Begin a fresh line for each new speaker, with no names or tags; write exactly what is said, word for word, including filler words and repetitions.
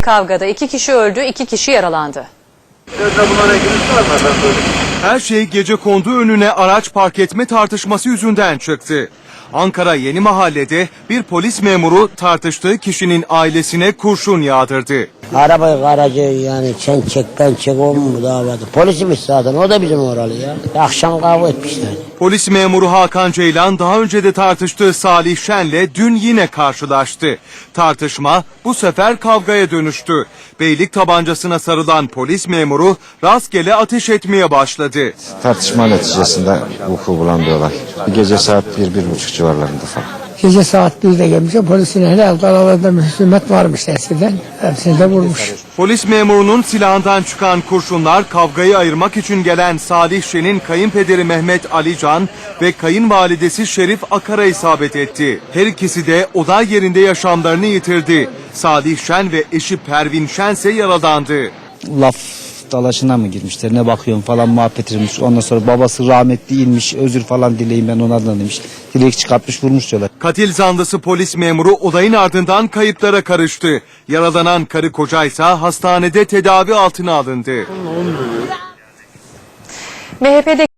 Kavgada iki kişi öldü, iki kişi yaralandı.
Her şey gecekondu önüne araç park etme tartışması yüzünden çıktı. Ankara Yeni Mahalle'de bir polis memuru tartıştığı kişinin ailesine kurşun yağdırdı.
Arabayı aracı yani sen çek ben çek o mu davada? Polisimiz zaten o da bizim oralı ya. Akşam kavga etmişler.
Polis memuru Hakan Ceylan daha önce de tartıştığı Salih Şen'le dün yine karşılaştı. Tartışma bu sefer kavgaya dönüştü. Beylik tabancasına sarılan polis memuru rastgele ateş etmeye başladı.
Tartışma neticesinde vuku bulan bir olay. Gece saat bir, bir buçuk civarlarında falan.
Gece saat birde gelmiş. Polisin herhalde aralarında mühümet varmış eskiden. Hepsini de vurmuş.
Polis memurunun silahından çıkan kurşunlar kavgayı ayırmak için gelen Salih Şen'in kayınpederi Mehmet Ali Can ve kayınvalidesi Şerif Akar'a isabet etti. Her ikisi de olay yerinde yaşamlarını yitirdi. Salih Şen ve eşi Pervin Şen ise yaralandı.
Laf dalaşına mı girmişler, ne bakıyorum falan muhabbet edilmiş. Ondan sonra babası rahmetli inmiş, özür falan dileyin ben onlardan demiş. Dilek çıkartmış, vurmuş diyorlar.
Katil zanlısı polis memuru olayın ardından kayıplara karıştı. Yaralanan karı kocaysa hastanede tedavi altına alındı.
M H P'de